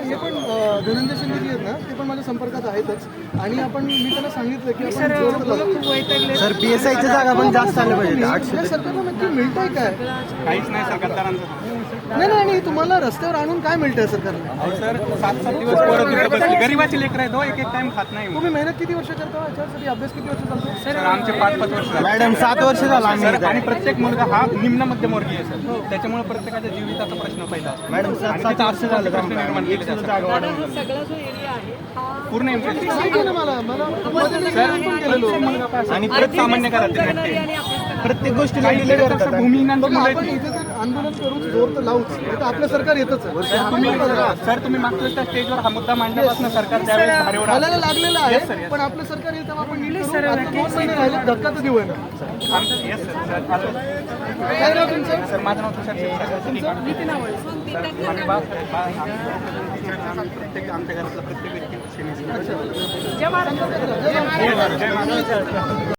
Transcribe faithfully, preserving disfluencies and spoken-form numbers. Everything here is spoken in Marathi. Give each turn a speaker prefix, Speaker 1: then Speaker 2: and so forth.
Speaker 1: हे पण अं, धनंजय शिंदे जी आहेत ना ते पण माझ्या संपर्कात आहेतच आणि आपण मी त्यांना सांगितलं की आपण जोरात लावू.
Speaker 2: सर पी एस आयच्या जागा पण जास्त आल्या पाहिजे आठशे
Speaker 1: या सरकारला नक्की मिळतंय काय?
Speaker 3: काहीच नाही सर गद्दारांचं.
Speaker 1: नाही नाही आणि तुम्हाला रस्त्यावर आणून काय मिळतंय सरकारला?
Speaker 3: अहो सर सात सात दिवस पोरं तिकडे बसली, गरीबाची लेकर आहेत हो, एक एक टाइम खात नाही.
Speaker 1: तुम्ही मेहनत किती वर्ष करता याच्यासाठी? अभ्यास किती वर्ष चालतो?
Speaker 3: सर आमचे पाच पाच वर्ष झाले.
Speaker 2: मॅडम सात वर्ष झालं आम्ही
Speaker 3: सर
Speaker 2: इथं.
Speaker 3: आणि प्रत्येक मुलगा हा निम्न मध्यमवर्गीय आहे सर, त्याच्यामुळे प्रत्येकाच्या जीविताचा प्रश्न पहिला असतो.
Speaker 2: मॅडम सात
Speaker 3: आणि
Speaker 2: सात
Speaker 3: तिथं
Speaker 2: वर्ष
Speaker 3: असं
Speaker 2: झालं
Speaker 3: प्रश्न निर्माण केले
Speaker 2: एक्सला
Speaker 3: जातात.
Speaker 2: जागा वाढवून.
Speaker 4: सगळा जो एरिया आहे हा
Speaker 3: पूर्ण एमपी
Speaker 1: सांगितलं ना मला मला मध्ये मी पण गेलेलो.
Speaker 3: आणि परत सामान्य करायचे
Speaker 4: करणारी आणि अभ्यास
Speaker 2: प्रत्येक गोष्टीला
Speaker 3: काही
Speaker 2: डिले
Speaker 3: ठिकाणी
Speaker 2: करतात.
Speaker 3: कसं भूमिहीनांची
Speaker 1: बघा,
Speaker 3: मुलं
Speaker 1: आपण
Speaker 3: आहेत.
Speaker 1: इथे तर आंदोलन करूच, जोर तर लावूच. तर आपलं सरकार येतच आहे.
Speaker 3: तुम्ही सर तुम्ही मागच्या वेळेस त्या स्टेजवर हा मुद्दा मांडल्यापासून सरकार त्यावेळेस धारेवर आलं.
Speaker 1: घालायला लागलेलं
Speaker 3: Yes, sir,
Speaker 1: आहे
Speaker 3: yes.
Speaker 1: पण आपलं सरकार येईल तेव्हा आपण नीट करू. आता दोन महिने राहिले, धक्का तर देऊ आहे ना.
Speaker 3: आमचं- yes, sir, sir, आलं.
Speaker 1: काय नाव तुमचं?
Speaker 3: सर माझं नाव तुषार शिरसाट. आम्ही बा- बा- प्रत्येक आमच्या घरातला प्रत्येक व्यक्ती सेनेचा.
Speaker 4: जय महाराष्ट्र.
Speaker 3: जय महाराष्ट्र.